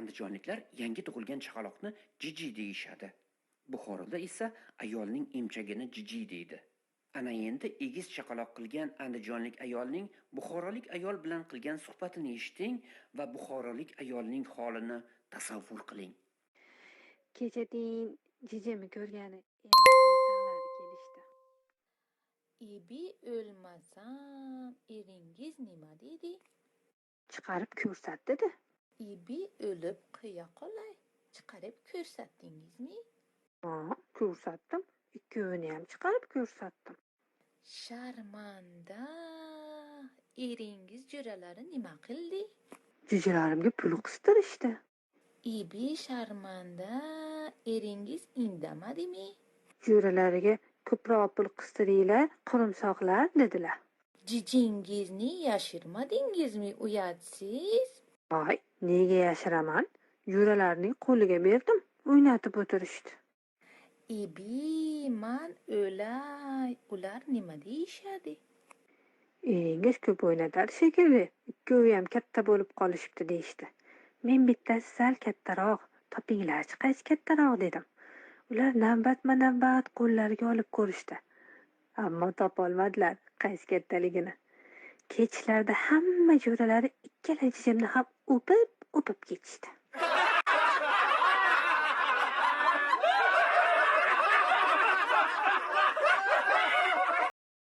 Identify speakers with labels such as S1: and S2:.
S1: Andijonliklar yangi tug'ilgan chaqaloqni jiji deyishadi. Buxoroda esa ayolning emchagini jiji deydi. Ana endi egiz chaqaloq qilgan andijonlik ayolning buxorolik ayol bilan qilgan suhbatini eshiting va buxorolik ayolning holini tasavvur qiling.
S2: Kechadan jijimi ko'rgani erim o'rtoqlari kelishdi.
S3: Ibi o'lmasam eringiz nima dedi?
S2: Chiqarib ko'rsat dedi.
S3: Ibi o'lib qo'ya qolay. Chiqarib ko'rsatdingizmi?
S2: Ha, ko'rsatdim. Ikkovini ham chiqarib ko'rsatdim.
S3: Sharmanda. Eringiz jo'ralari nima qildi?
S2: Jijalarimga pul qistirishdi.
S3: Ibi sharmanda. Eringiz indamadimi?
S2: Jo'ralariga ko'proq pul qistiringlar, qurumsoqlar dedilar.
S3: Jijingizni yashirmadingizmi, uyatsiz?
S2: Voy, nega yashiraman? Jo'ralarning qo'liga berdim, o'ynatib o'tirishdi.
S3: Ibi, man o'lay. Ular nima deyishadi?
S2: Eringiz ko'p o'ynatadi shekilli. Ikkovi ham katta bo'lib qolishibdi deyishdi. Men bittasi sal kattaroq, topinglarchi qaysi kattaroq dedim. Ular navbatma-navbat qo'llariga olib ko'rishdi. Ammo topolmadilar qaysi kattaligini. Kechlarda hamma jo'ralari ikkala jijimni ham o'pib ketishdi.